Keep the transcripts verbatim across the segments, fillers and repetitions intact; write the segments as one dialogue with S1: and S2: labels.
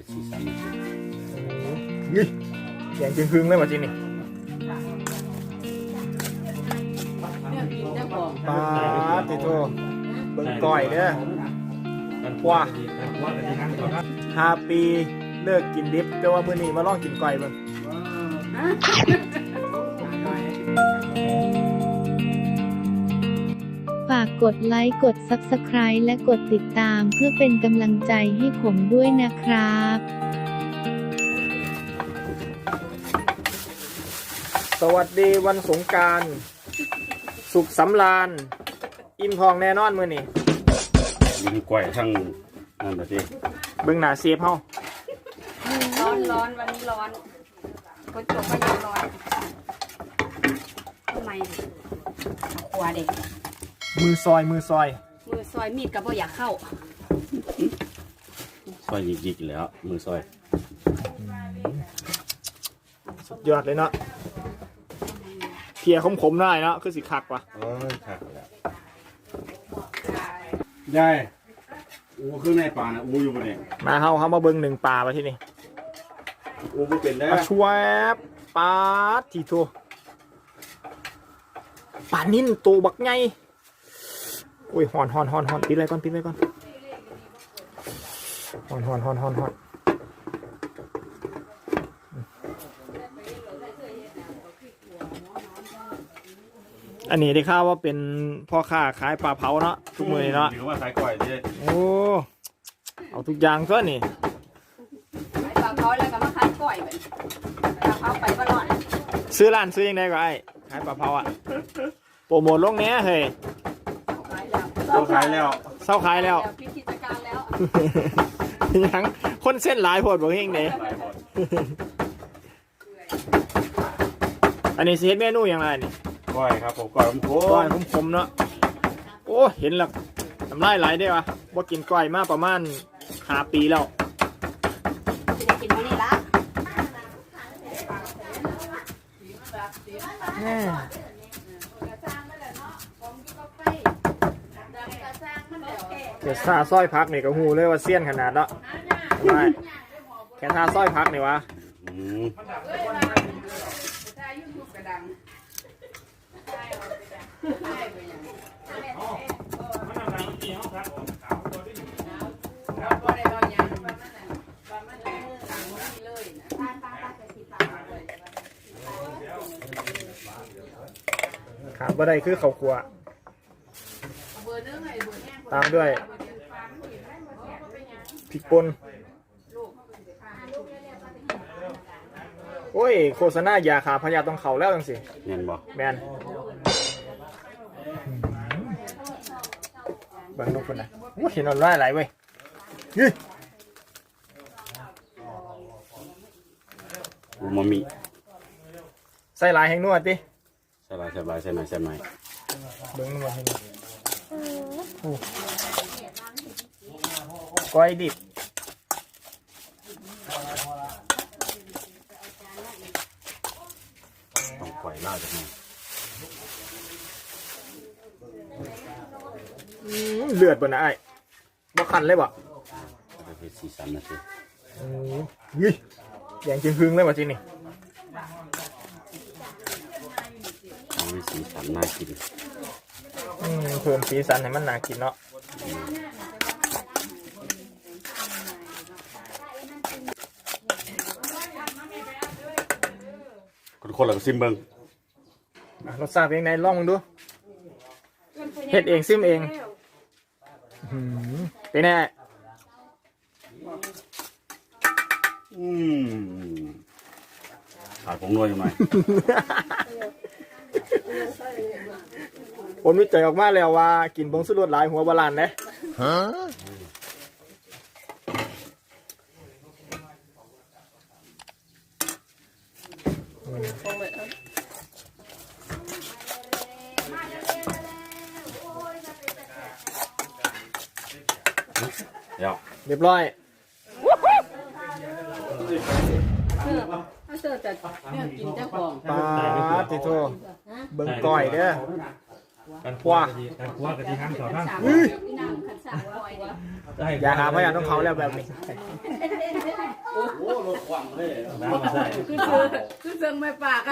S1: สีสัน
S2: ยี่แยงจึงพึ่งเลยว่ะจีนี่ปลาติโตเบิ่งก้อยเด้อว้าห้าปีเลิกกินดิบแต่ว่ามื้อนี้มาลองกินก้อยเบิ่ง
S3: ฝากกดไลค์กด ซับสไครบ์ และกดติดตามเพื่อเป็นกำลังใจให้ผมด้วยนะครับ
S2: สวัสดีวันสงกรานต์สุขสำราญอิ่มทองแน่นอนมื้อนี้
S1: ยิงกล้วยทั้งนั่นแบบนี้
S2: เบิ่งหน้าเซฟเฮา
S4: ร้อนร้อนวันนี้ร้อนคนจบก็ยังร้อนทำไมหัวเด็ก
S2: มือซอยมือซอย
S4: มือซอยมีดกับบ่อยากเข้า
S1: ซอยยิกๆแล้วมือซอย
S2: สุดยอดเลยเนาะเพียขมๆได้เนาะคือสิคักว่ะ
S1: เออคักแล้วยายอูคือในป่านะอูอยู่บนนี้
S2: มาเฮาเฮามาเบิ่งหนึ่งป่ามาที่นี่
S1: อูบ่เป็นแล้ว
S2: ชวบปลาทีโตปลานิ่นโตบักไงโอ้ยหอนหอนหอนหอนปิดเลยก่อนปิดเลยก่อนหอนหอนหอนหอนหอนอันนี้ได้ข่าวว่าเป็นพ่อค้าขายปลาเผาเนาะทุกมื้อเนาะ
S1: หรือว่าขายกล้วยดิ
S2: โอ้เอาทุกอย่างซะนี่
S4: ขายปลาเผาแล้วก็มาขายกล้วยแบบปลาเผาไปบ่รอด
S2: ซื้อร้านซื้อยังไงก็ไอ้ขายปลาเผาอ่ะโปรโมทลงเนี้ยเฮ้ย
S1: เศร้าขายแล้ว
S2: เศร้าขายแล้ว
S4: พิธีการแล้ว
S2: ยังคนเส้นหลายโพดบอกเฮงเด้อันนี้เซตเมนูอย่างไรนี่
S1: ก้อยครับผมก้อยผมโค้
S2: ก้อยผมผมเนาะโอ้เห็นแล้วทำไรไหลได้ปะว่ากินก้อยมาประมาณห้าปีแล้ว
S4: จะกินมื้อนี้ละ
S2: เดี๋ยวซาสร้อยพักนี่ก็หูเลยว่าเสี้ยนขนาดเนาะไม่แค่ซาสร้อยพักนี่วะขาดบ่ได้คือข้าวคั่วตามด้วยพริกป่นโอ้ยโฆษณายาขาพยาต้องเข่าแล้วจังสิ
S1: แมนบ่
S2: แมนบางนกคนนะโอ้เห็นนอนร้ายไหลเว้ย
S1: อูมามิ
S2: ใส่ลายแห้งนวดดิ
S1: ใส่ลายใส่ลายใส่ไหนใส่ไหน
S2: เบิ้งนวดให้ก้อยดิบ
S1: ต้องก้อยล่าจากไหน
S2: เลือดบนไอ้บ่คันเลยบ่
S1: เป็นสีสันนะสิ
S2: ยี่แยงจึงพึ่งเลยว่ะจีนี่
S1: มีสีสันน่ากิน
S2: เพิ่มสีสันให้มันน่ากินเนาะ
S1: คนๆเราก็ซิมเบิ้ง
S2: รสชาติเป็นไงลองมึงดูเฮ็ดเองซิมเองเป็นไง
S1: อืมขาดผงนัวอยู่ไหม
S2: ผลวิจัยออกมาแล้วว่ากินผงชูรสหลายหัวบาลานเด้ฮะเรียบร้อย
S4: ถ้าเจอแต่เนี่ยกินเจ้าของ
S2: ปลาติโตเบิ่งก้อยเด้อว้า
S5: ว่ากันที่ห้างสอท่าน
S2: อย่าหาพยานต้องเขาแล้วแบบนี้
S1: กว้างเลย
S5: น้ำมาใส่
S4: คือซื้อคือซื้อไม่ปากอ่ะ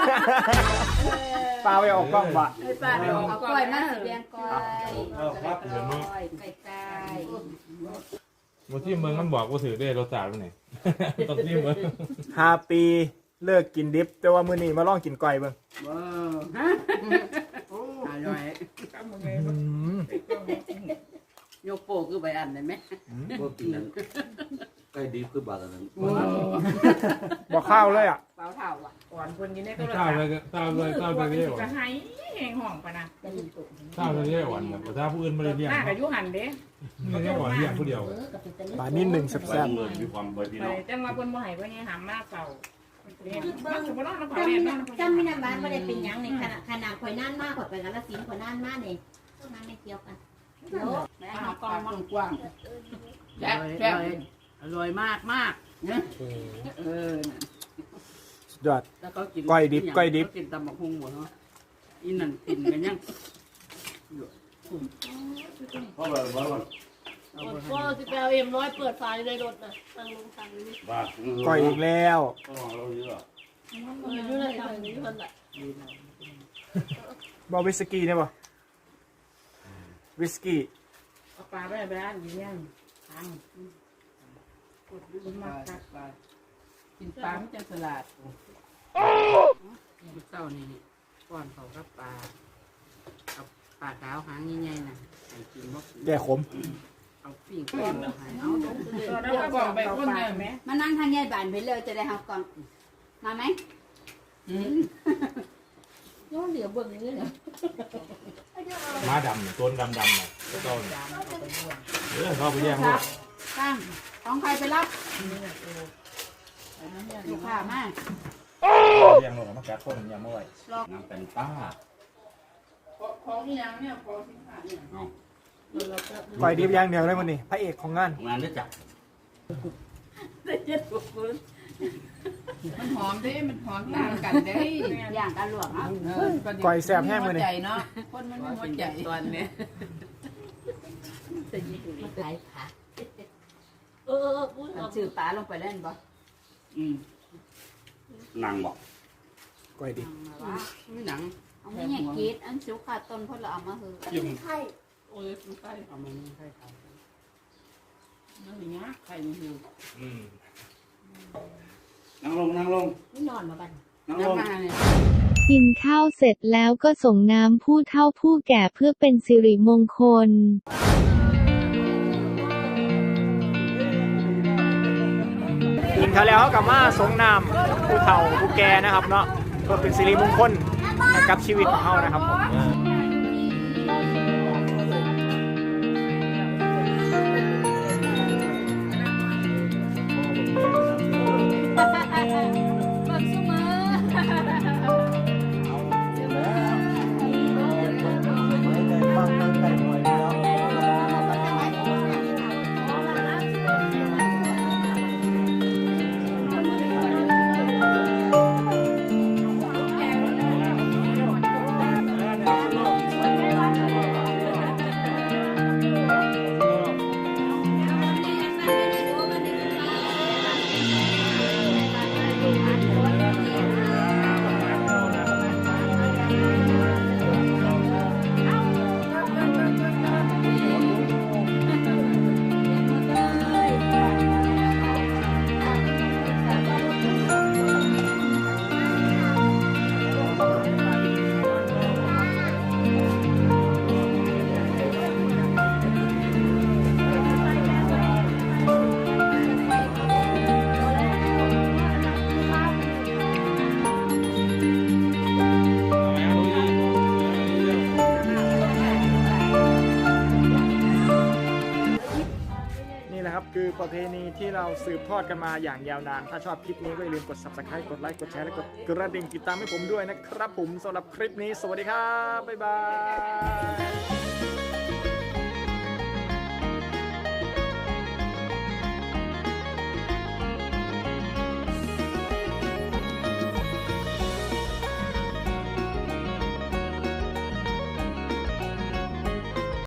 S2: ปลาไปออกกล้องบะ
S4: ไม่ปากเอาก้อยมาสิเบียงก้อย
S5: เอาครับเดี๋ยวนู้น
S4: ก้อยไก่ไก่
S5: บางที่เมืองมันบอกว่าถือได้รสชาติมันไหนตอนที่เมือง
S2: ห้าปีเลิกกินดิบ แต่ว่ามื้อนี้มาลองกินก้อยเบิ่ง
S4: ว้าวอร่อย
S2: อืม
S4: โยโปคือใบอันได้ไหม
S1: พวกกินนั้นใกล้ดีคือบาทนั้น
S2: บอกข้าวเลยอ่ะ
S4: เปล่าเท่าอ่ะ
S6: ก่อนคนกินได้ก็
S5: เศร้าเลยเศร้าเลยเศร้าเลยเรียก
S6: จะ
S5: ว่า
S6: ให้แหงห่องปะนะ
S5: เศร้าเลยเรียกว่าแต่ถ้าผู้อื่นไม่ได้เรียก
S6: หน้ากับยุหันเด้
S5: นี่เรียกว่าเรียกผู้เดียว
S2: ปลานิ่หนึ่งแ
S1: ไว้
S2: ซ่บ
S1: เงินมีความใบพี่
S6: ไป
S1: น้อง
S6: แต่มาคนบ่ให้บ่ให้หามมากเก่าเรียนมันสมมติว่าเราขอเรียนนั่น
S7: จำไม่นานบ้านไม่ได้เป็นยังในขณะขนาดข่อยน่านมากข่อยไปกันละสินข่อยน่านมากเนี่ยพวกนั้นไม่เกี่ยวกัน
S4: แม่เอากองมันกว้างแซ่บแซ่บอร่อยมากมากเออ
S2: สุดยอด
S4: แล้วก็กิน
S2: ก้อยดิบก้อยดิบ
S4: กินตำบักหุ่งหมดเนาะอีนั่นกินกันยัง
S1: เพราะว่าว่าว่า
S7: ก็จะไปเอาเอ็มร้อยเปิดฝาในรถนะตั้งลงตังนี้
S1: ว่า
S2: ก้อยอีกแล้ว
S1: ต้องเราเยอะ
S7: อยู่ในทางนี้คนละ
S2: บอวิสกี้เนี่ยบ่วิสกี้
S6: เอาปลาไปไปอันนี้ยังทางมาตัด
S4: กินปลาไม่จังสลัดเจ้านี่ก้อนเขากับปลากับปลาขาวหางใหญ่ๆน่ะใส่กินบ่
S2: แก่ขม
S4: เอาปิ้งก้อนเอาให้เอาลง
S6: เราก็บอกไปคนเดิมไหม
S4: มานั่งทางใหญ่บ้านไปเลยจะได้เอากล่องมาไหมอืม
S7: ย้อนเหลือเบิ่งนี่เนี่ย
S5: ม้าดำต้นดำดำเนี่ยต้นเออเขาไปแย่งพวก
S4: ตั้งของใครไปรับลูกค้ามา
S5: แย่งพวกมาแก้ต้นยำเอาไว้
S1: น้ำเป็นป้า
S6: ของที่ยังเนี่ยของสินค้าเนี่ย
S1: เอา
S2: ก้อยดิบอย่างเดียวเลยวันนี้พระเอกของงาน
S1: งานได้จับ
S4: มันหอมด้มันหอมต่างกันได้อย่างกันหลวงอ่ะ
S2: ก้อยแซ่บแห้งมื้อนี้
S4: ใจเนาะคนมันไม่หัวใจตอนนี้
S7: มันขายขาเออเออพูดออก
S4: ชื่อปลาลงไปเล่นบ่อืม
S1: นางบอก
S2: ก้อยดิบ
S4: ไม่หนัง
S8: เอาไม่เนี่ยกรีดอันสิวขาดต้นเพราะเราเอามาคือ
S5: ยิ้ม
S7: ไข่
S4: โอ้ยมันใกล้เอามันไม่ใกล้เขานั่นอย่างเงี้ยใครมันอยู่
S5: อืม
S1: นั่งลงนั่งลง
S7: ไม่นอนมาบัน
S1: นั่งล
S4: น้ำ
S1: ง
S4: มาเนี่ย
S3: กินข้าวเสร็จแล้วก็ส่งน้ำผู้เฒ่าผู้แก่เพื่อเป็นสิริมงคล
S2: กินเขาวแล้วเขากลับมาสงน้ำผู้เฒ่าผู้แก่นะครับเนาะเพื่อเป็นสิริมงคลให้กับชีวิตของเขานะครับผม
S8: เบิ่งซุมื้อ
S2: นี่แหละครับคือประเพณีที่เราสืบทอดกันมาอย่างยาวนาน ถ้าชอบคลิปนี้ก็อย่าลืมกด ซับสไครบ์ กดไลค์ กดแชร์ และกดกระดิ่งติดตามให้ผมด้วยนะครับผมสำหรับคลิปนี้ สวัสดีครับ บ๊ายบาย